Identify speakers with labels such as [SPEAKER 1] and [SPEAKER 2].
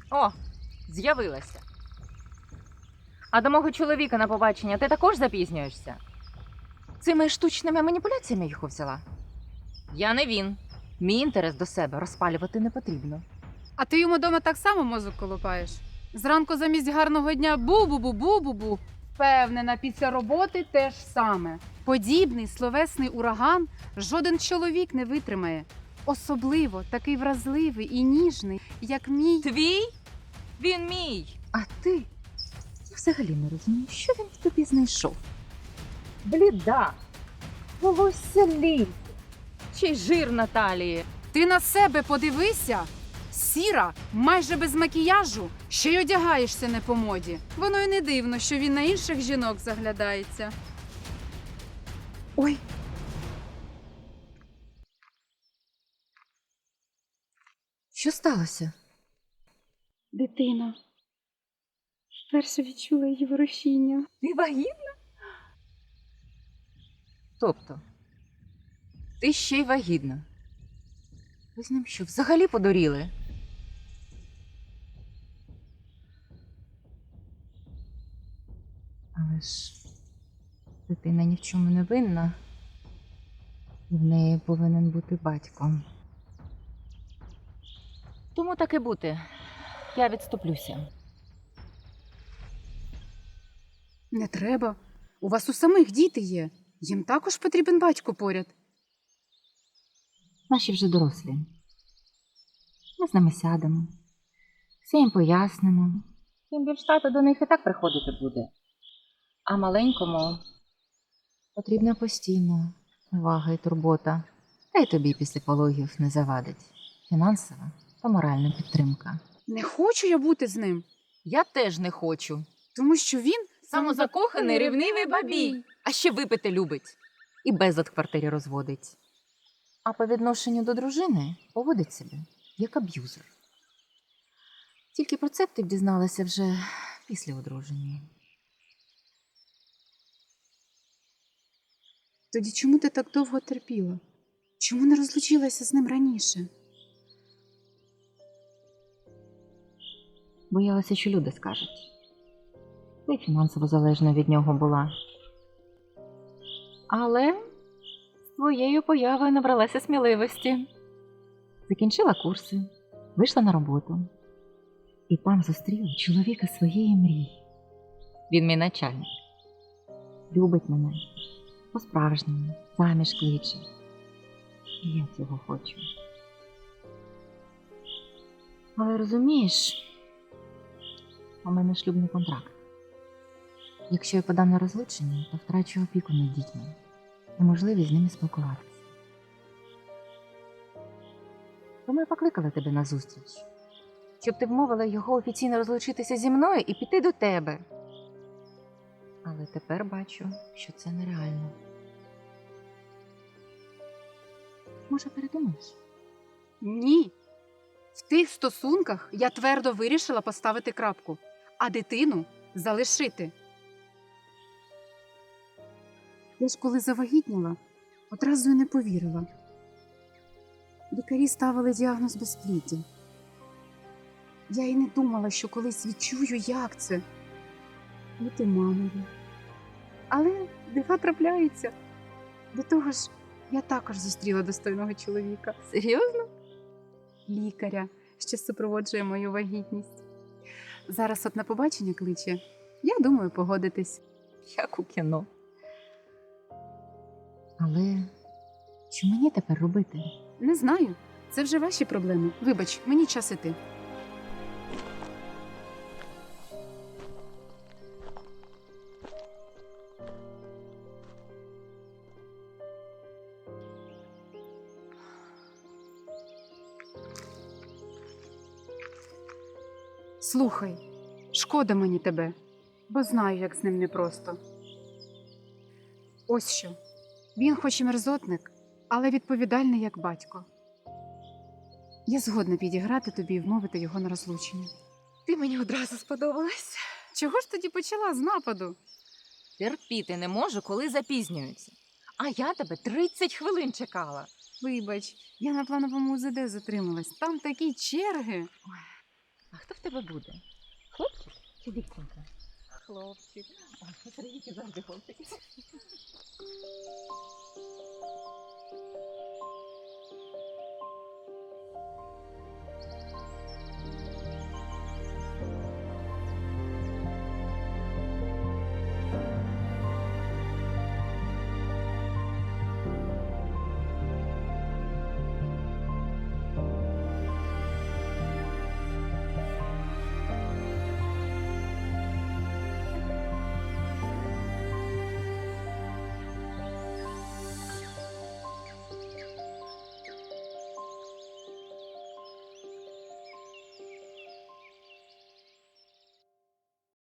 [SPEAKER 1] О, з'явилася. А до мого чоловіка на побачення ти також запізнюєшся? Цими штучними маніпуляціями його взяла? Я не він. Мій інтерес до себе розпалювати не потрібно.
[SPEAKER 2] А ти йому дома так само мозок колупаєш? Зранку замість гарного дня бу-бу-бу-бу-бу-бу. Впевнена, після роботи те ж саме. Подібний словесний ураган жоден чоловік не витримає. Особливо такий вразливий і ніжний, як мій.
[SPEAKER 1] Твій? Він мій. А ти? Я взагалі не розумію, що він в тобі знайшов. Бліда, волосся лінь, ще й жир на талії.
[SPEAKER 2] Ти на себе подивися! Сіра, майже без макіяжу, ще й одягаєшся не по моді. Воно й не дивно, що він на інших жінок заглядається.
[SPEAKER 1] Ой. Що сталося?
[SPEAKER 2] Дитина. Вперше відчула її ворушіння.
[SPEAKER 1] Ти вагітна? Тобто, ти ще й вагітна. Ви з ним що, взагалі подуріли? Але ж дитина ні в чому не винна. В неї повинен бути батько. Тому так і бути. Я відступлюся.
[SPEAKER 2] Не треба. У вас у самих діти є. Їм також потрібен батько поряд.
[SPEAKER 1] Наші вже дорослі. Ми з ними сядемо. Все їм пояснимо. Тим більш тато до них і так приходити буде. А маленькому потрібна постійна увага і турбота. Та й тобі після пологів не завадить. Фінансова та моральна підтримка.
[SPEAKER 2] Не хочу я бути з ним,
[SPEAKER 1] Я теж не хочу.
[SPEAKER 2] тому що він
[SPEAKER 1] Самозакоханий, ревнивий бабій. А ще випити любить. І безлад в квартирі розводить. А по відношенню до дружини поводить себе як аб'юзер. Тільки про це б ти б дізналася вже після одруження.
[SPEAKER 2] Тоді чому ти так довго терпіла? Чому не розлучилася з ним раніше?
[SPEAKER 1] Боялася, що люди скажуть. Ти фінансово залежна від нього була. Але з твоєю появою набралася сміливості. Закінчила курси, вийшла на роботу. І там зустріла чоловіка своєї мрії. Він мій начальник. Любить мене. По-справжньому. Заміж кличе. І я цього хочу. Але розумієш, у мене шлюбний контракт. Якщо я подам на розлучення, то втрачу опіку над дітьми і можливість з ними спілкуватися. Тому я покликала тебе на зустріч, щоб ти вмовила його офіційно розлучитися зі мною і піти до тебе. Але тепер бачу, що це нереально. Може, передумаєш?
[SPEAKER 2] Ні. В тих стосунках я твердо вирішила поставити крапку, а дитину залишити. Я ж коли завагітніла, одразу й не повірила. Лікарі ставили діагноз безпліддя. Я й не думала, що колись відчую, як це бути мамою. Але дива трапляються. До того ж, я також зустріла достойного чоловіка.
[SPEAKER 1] Серйозно?
[SPEAKER 2] Лікаря, що супроводжує мою вагітність. Зараз от на побачення кличе. Я думаю погодитись.
[SPEAKER 1] Як у кіно. Але що мені тепер робити?
[SPEAKER 2] Не знаю. Це вже ваші проблеми. Вибач, мені час іти. Слухай, шкода мені тебе, бо знаю, як з ним непросто. Ось що. Він хоч і мерзотник, але відповідальний як батько. Я згодна підіграти тобі і вмовити його на розлучення.
[SPEAKER 1] Ти мені одразу сподобалась.
[SPEAKER 2] Чого ж тоді почала з нападу?
[SPEAKER 1] Терпіти не можу, коли запізнюються. А я тебе 30 хвилин чекала.
[SPEAKER 2] Вибач, я на плановому УЗД затрималась. Там такі черги.
[SPEAKER 1] А А хто в тебе буде? Хлопчик чи дівчинка?
[SPEAKER 2] Хлопчик.
[SPEAKER 1] О, Сергійки завжди хлопчик.